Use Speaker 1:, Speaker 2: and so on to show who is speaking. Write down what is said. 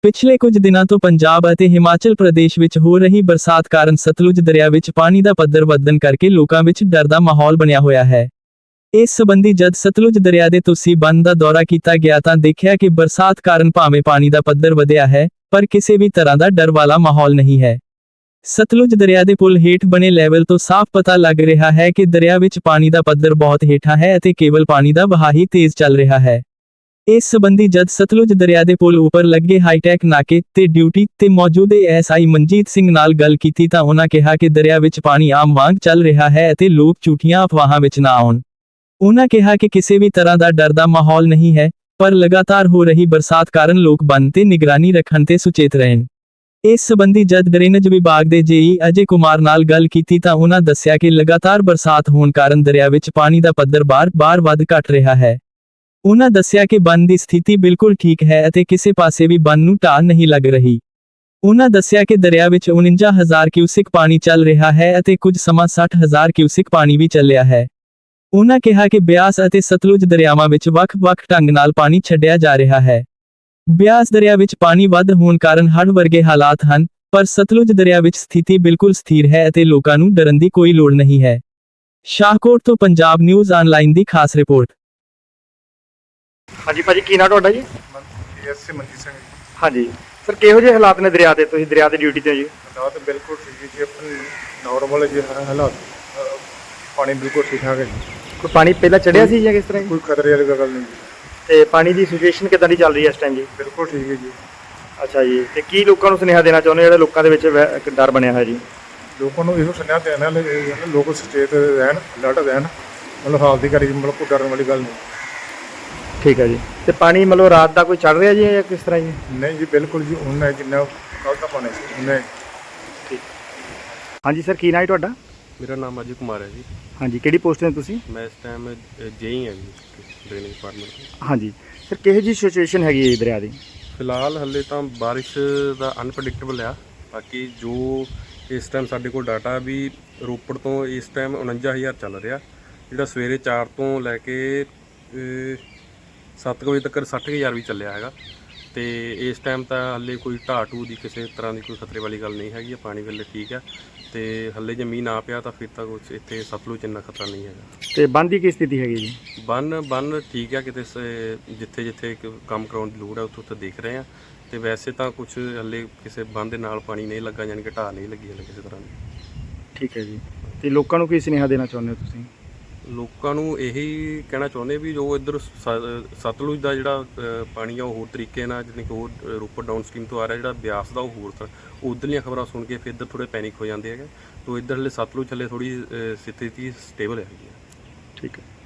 Speaker 1: ਪਿਛਲੇ ਕੁਝ ਦਿਨਾਂ ਤੋਂ ਪੰਜਾਬ ਅਤੇ ਹਿਮਾਚਲ ਪ੍ਰਦੇਸ਼ ਵਿੱਚ ਹੋ ਰਹੀ ਬਰਸਾਤ ਕਾਰਨ ਸਤਲੁਜ ਦਰਿਆ ਵਿੱਚ ਪਾਣੀ ਦਾ ਪੱਧਰ ਵਧਣ ਕਰਕੇ ਲੋਕਾਂ ਵਿੱਚ ਡਰ ਦਾ ਮਾਹੌਲ ਬਣਿਆ ਹੋਇਆ ਹੈ। ਇਸ ਸੰਬੰਧੀ ਜਦ ਸਤਲੁਜ ਦਰਿਆ ਦੇ ਤੁਸੀਂ ਬੰਨ੍ਹ ਦਾ ਦੌਰਾ ਕੀਤਾ ਗਿਆ ਤਾਂ ਦੇਖਿਆ ਕਿ ਬਰਸਾਤ ਕਾਰਨ ਭਾਵੇਂ ਪਾਣੀ ਦਾ ਪੱਧਰ ਵਧਿਆ ਹੈ, ਪਰ ਕਿਸੇ ਵੀ ਤਰ੍ਹਾਂ ਦਾ ਡਰ ਵਾਲਾ ਮਾਹੌਲ ਨਹੀਂ ਹੈ। ਸਤਲੁਜ ਦਰਿਆ ਦੇ ਪੁਲ ਹੇਠ ਬਣੇ ਲੈਵਲ ਤੋਂ ਸਾਫ਼ ਪਤਾ ਲੱਗ ਰਿਹਾ ਹੈ ਕਿ ਦਰਿਆ ਵਿੱਚ ਪਾਣੀ ਦਾ ਪੱਧਰ ਬਹੁਤ ਹੇਠਾਂ ਹੈ ਅਤੇ ਕੇਵਲ ਪਾਣੀ ਦਾ ਵਹਾਅ ਹੀ ਤੇਜ਼ ਚੱਲ ਰਿਹਾ ਹੈ। ਇਸ ਸੰਬੰਧੀ ਜਦ ਸਤਲੁਜ ਦਰਿਆ ਦੇ ਪੁਲ ਉੱਪਰ ਲੱਗੇ ਹਾਈਟੈਕ ਨਾਕੇ ਤੇ ਡਿਊਟੀ ਤੇ ਮੌਜੂਦ ਐਸਆਈ ਮਨਜੀਤ ਸਿੰਘ ਨਾਲ ਗੱਲ ਕੀਤੀ ਤਾਂ ਉਹਨਾਂ ਕਿਹਾ ਕਿ ਦਰਿਆ ਵਿੱਚ ਪਾਣੀ ਆਮ ਵਾਂਗ ਚੱਲ ਰਿਹਾ ਹੈ ਅਤੇ ਲੋਕ ਝੂਠੀਆਂ ਅਫਵਾਹਾਂ ਵਿੱਚ ਨਾ ਆਉਣ। ਉਹਨਾਂ ਕਿਹਾ ਕਿ ਕਿਸੇ ਵੀ ਤਰ੍ਹਾਂ ਦਾ ਡਰ ਦਾ ਮਾਹੌਲ ਨਹੀਂ ਹੈ, ਪਰ ਲਗਾਤਾਰ ਹੋ ਰਹੀ ਬਰਸਾਤ ਕਾਰਨ ਲੋਕ ਬੰਨ੍ਹ ਤੇ ਨਿਗਰਾਨੀ ਰੱਖਣ ਤੇ ਸੁਚੇਤ ਰਹਿਣ। ਇਸ ਸੰਬੰਧੀ ਜਦ ਡਰੇਨੇਜ ਵਿਭਾਗ ਦੇ ਜੇਈ ਅਜੇ ਕੁਮਾਰ ਨਾਲ ਗੱਲ ਕੀਤੀ ਤਾਂ ਉਹਨਾਂ ਦੱਸਿਆ ਕਿ ਲਗਾਤਾਰ ਬਰਸਾਤ ਹੋਣ ਕਾਰਨ ਦਰਿਆ ਵਿੱਚ ਪਾਣੀ ਦਾ ਪੱਧਰ ਬਾਰ-ਬਾਰ ਵੱਧ ਘਟ ਰਿਹਾ ਹੈ। ਉਹਨਾਂ ਦੱਸਿਆ ਕਿ ਬੰਨ੍ਹ ਦੀ ਸਥਿਤੀ ਬਿਲਕੁਲ ਠੀਕ ਹੈ ਅਤੇ ਕਿਸੇ ਪਾਸੇ ਵੀ ਬੰਨ੍ਹ ਨੂੰ ਢਾਹ ਨਹੀਂ ਲੱਗ ਰਹੀ। ਉਹਨਾਂ ਦੱਸਿਆ ਕਿ ਦਰਿਆ ਵਿੱਚ 49,000 ਕਿਊਸਿਕ ਪਾਣੀ ਚੱਲ ਰਿਹਾ ਹੈ ਅਤੇ ਕੁਝ ਸਮਾਂ 60,000 ਕਿਊਸਿਕ ਪਾਣੀ ਵੀ ਚੱਲਿਆ ਹੈ। ਉਹਨਾਂ ਕਿਹਾ ਕਿ ਬਿਆਸ ਅਤੇ ਸਤਲੁਜ ਦਰਿਆਵਾਂ ਵਿੱਚ ਵੱਖ-ਵੱਖ ਢੰਗ ਨਾਲ ਪਾਣੀ ਛੱਡਿਆ ਜਾ ਰਿਹਾ ਹੈ। ਬਿਆਸ ਦਰਿਆ ਵਿੱਚ ਪਾਣੀ ਵੱਧ ਹੋਣ ਕਾਰਨ ਹੜ੍ਹ ਵਰਗੇ ਹਾਲਾਤ ਹਨ, ਪਰ ਸਤਲੁਜ ਦਰਿਆ ਵਿੱਚ ਸਥਿਤੀ ਬਿਲਕੁਲ ਸਥਿਰ ਹੈ ਅਤੇ ਲੋਕਾਂ ਨੂੰ ਡਰਨ ਦੀ ਕੋਈ ਲੋੜ ਨਹੀਂ ਹੈ। ਸ਼ਾਹਕੋਟ ਤੋਂ ਪੰਜਾਬ ਨਿਊਜ਼ ਆਨਲਾਈਨ ਦੀ ਖਾਸ ਰਿਪੋਰਟ।
Speaker 2: ਹਾਂਜੀ ਭਾਜੀ, ਕੀ ਨਾਂ ਤੁਹਾਡਾ ਜੀ?
Speaker 3: ਐਸਏ ਮਨਜੀਤ ਸਿੰਘ ਜੀ।
Speaker 2: ਹਾਂਜੀ ਸਰ, ਕਿਹੋ ਜਿਹੇ ਹਾਲਾਤ ਨੇ ਦਰਿਆ ਤੇ? ਤੁਸੀਂ ਦਰਿਆ ਤੇ ਡਿਊਟੀ ਤੇ ਹੋ ਜੀ?
Speaker 3: ਹਾਲਾਤ ਬਿਲਕੁਲ ਠੀਕ ਹੈ ਜੀ, ਆਪਣੇ ਨਾਰਮਲ ਜੀ ਹਾਲਾਤ। ਪਾਣੀ ਬਿਲਕੁਲ ਠੀਕ ਠਾਕ ਹੈ ਜੀ।
Speaker 2: ਕੋਈ ਪਾਣੀ ਪਹਿਲਾਂ ਚੜਿਆ ਸੀ ਜਾਂ ਕਿਸ ਤਰ੍ਹਾਂ ਜੀ?
Speaker 3: ਕੋਈ ਖਤਰੇ ਵਾਲੀ ਗੱਲ ਨਹੀਂ ਜੀ।
Speaker 2: ਤੇ ਪਾਣੀ ਦੀ ਸਿਚੁਏਸ਼ਨ ਕਿੱਦਾਂ ਦੀ ਚੱਲ ਰਹੀ ਹੈ ਇਸ ਟਾਈਮ ਜੀ?
Speaker 3: ਬਿਲਕੁਲ ਠੀਕ ਹੈ ਜੀ।
Speaker 2: ਅੱਛਾ ਜੀ, ਤੇ ਕੀ ਲੋਕਾਂ ਨੂੰ ਸੁਨੇਹਾ ਦੇਣਾ ਚਾਹੁੰਦੇ ਹੋ ਜਿਹੜੇ ਲੋਕਾਂ ਦੇ ਵਿੱਚ ਇੱਕ ਡਰ ਬਣਿਆ ਹੋਇਆ ਜੀ?
Speaker 3: ਲੋਕਾਂ ਨੂੰ ਇਹੋ ਸੁਨੇਹਾ ਦੇਣਾ ਲੋਕ ਸੁਚੇਤ ਰਹਿਣ, ਅਲਰਟ ਰਹਿਣ। ਮਤਲਬ ਹਾਲ ਦੀ ਘੜੀ ਮਤਲਬ ਕੋਈ ਡਰਨ ਵਾਲੀ ਗੱਲ ਨਹੀਂ।
Speaker 2: ਠੀਕ ਹੈ ਜੀ। ਤੇ ਪਾਣੀ ਮਤਲਬ ਰਾਤ ਦਾ ਕੋਈ ਚੜ ਰਿਹਾ ਜੀ ਜਾਂ ਕਿਸ ਤਰ੍ਹਾਂ ਜੀ?
Speaker 3: ਨਹੀਂ ਜੀ, ਬਿਲਕੁਲ ਜੀ ਉਹਨਾਂ ਜਿੰਨਾ ਕੱਲ੍ਹ ਦਾ ਪਾਣੀ ਸੀ ਉਹਨਾਂ।
Speaker 2: ਠੀਕ। ਹਾਂਜੀ ਸਰ, ਕੀ ਨਾਂ ਹੈ ਤੁਹਾਡਾ?
Speaker 4: ਮੇਰਾ ਨਾਮ ਅਜੇ ਕੁਮਾਰ ਹੈ ਜੀ।
Speaker 2: ਹਾਂਜੀ, ਕਿਹੜੀ ਪੋਸਟ ਤੇ ਤੁਸੀਂ?
Speaker 4: ਮੈਂ ਇਸ ਟਾਈਮ ਜੇਈ ਹਾਂ ਜੀ ਡਰੇਨੇਜ ਡਿਪਾਰਟਮੈਂਟ ਤੋਂ।
Speaker 2: ਹਾਂਜੀ ਸਰ, ਕਿਹੋ ਜਿਹੀ ਸਿਚੁਏਸ਼ਨ ਹੈਗੀ ਹੈ ਦਰਿਆ ਦੀ?
Speaker 4: ਫਿਲਹਾਲ ਹੱਲੇ ਤਾਂ ਬਾਰਿਸ਼ ਦਾ ਅਨਪ੍ਰੈਡਿਕਟੇਬਲ ਆ। ਬਾਕੀ ਜੋ ਇਸ ਟਾਈਮ ਸਾਡੇ ਕੋਲ ਡਾਟਾ ਵੀ ਰੋਪੜ ਤੋਂ ਇਸ ਟਾਈਮ 49,000 ਚੱਲ ਰਿਹਾ, ਜਿਹੜਾ ਸਵੇਰੇ 4 ਤੋਂ ਲੈ ਕੇ 7 ਵਜੇ ਤੱਕ 60,000 ਵੀ ਚੱਲਿਆ ਹੈਗਾ। ਤੇ ਇਸ ਟਾਈਮ ਤਾਂ ਹੱਲੇ ਕੋਈ ਢਾਹ ਢੂਹ ਦੀ ਕਿਸੇ ਤਰ੍ਹਾਂ ਦੀ ਕੋਈ ਖਤਰੇ ਵਾਲੀ ਗੱਲ ਨਹੀਂ ਹੈਗੀ। ਪਾਣੀ ਵੇਲੇ ਠੀਕ ਹੈ ਤੇ ਹੱਲੇ ਜੇ ਮੀਂਹ ਨਾ ਪਿਆ ਤਾਂ ਫਿਰ ਤਾਂ ਕੁਛ ਇੱਥੇ ਸਤਲੁਜ ਇੰਨਾ ਖਤਰਾ ਨਹੀਂ ਹੈਗਾ।
Speaker 2: ਤੇ ਬੰਨ੍ਹ ਦੀ ਕੀ ਸਥਿਤੀ ਹੈਗੀ ਜੀ?
Speaker 4: ਬੰਨ ਠੀਕ ਹੈ, ਕਿਤੇ ਜਿੱਥੇ ਜਿੱਥੇ ਕੰਮ ਕਰਾਉਣ ਦੀ ਲੋੜ ਹੈ ਉੱਥੇ ਉੱਥੇ ਦੇਖ ਰਹੇ ਆ। ਤੇ ਵੈਸੇ ਤਾਂ ਕੁਝ ਹੱਲੇ ਕਿਸੇ ਬੰਨ ਦੇ ਨਾਲ ਪਾਣੀ ਨਹੀਂ ਲੱਗਾ, ਯਾਨੀ ਕਿ ਢਾਹ ਨਹੀਂ ਲੱਗੀ ਹੱਲੇ ਕਿਸੇ ਤਰ੍ਹਾਂ ਦੀ।
Speaker 2: ਠੀਕ ਹੈ ਜੀ। ਤੇ ਲੋਕਾਂ ਨੂੰ ਕੀ ਸੁਨੇਹਾ ਦੇਣਾ ਚਾਹੁੰਦੇ ਹੋ ਤੁਸੀਂ?
Speaker 4: ਲੋਕਾਂ ਨੂੰ ਇਹੀ ਕਹਿਣਾ ਚਾਹੁੰਦੇ ਵੀ ਜੋ ਇੱਧਰ ਸਤਲੁਜ ਦਾ ਜਿਹੜਾ ਪਾਣੀ ਆ ਉਹ ਹੋਰ ਤਰੀਕੇ ਨਾਲ, ਜਿਵੇਂ ਕਿ ਹੋਰ ਰੋਪੜ ਡਾਊਨ ਸਟਰੀਮ ਤੋਂ ਆ ਰਿਹਾ, ਜਿਹੜਾ ਬਿਆਸ ਦਾ ਉਹ ਹੋਰ ਉੱਧਰਲੀਆਂ ਖਬਰਾਂ ਸੁਣ ਕੇ ਫਿਰ ਇੱਧਰ ਥੋੜ੍ਹੇ ਪੈਨਿਕ ਹੋ ਜਾਂਦੇ ਹੈਗੇ। ਤੋ ਇੱਧਰ ਹਲੇ ਸਤਲੁਜ ਹਲੇ ਥੋੜ੍ਹੀ ਸਥਿਤੀ ਸਟੇਬਲ ਹੈਗੀ ਹੈ।
Speaker 2: ਠੀਕ ਹੈ।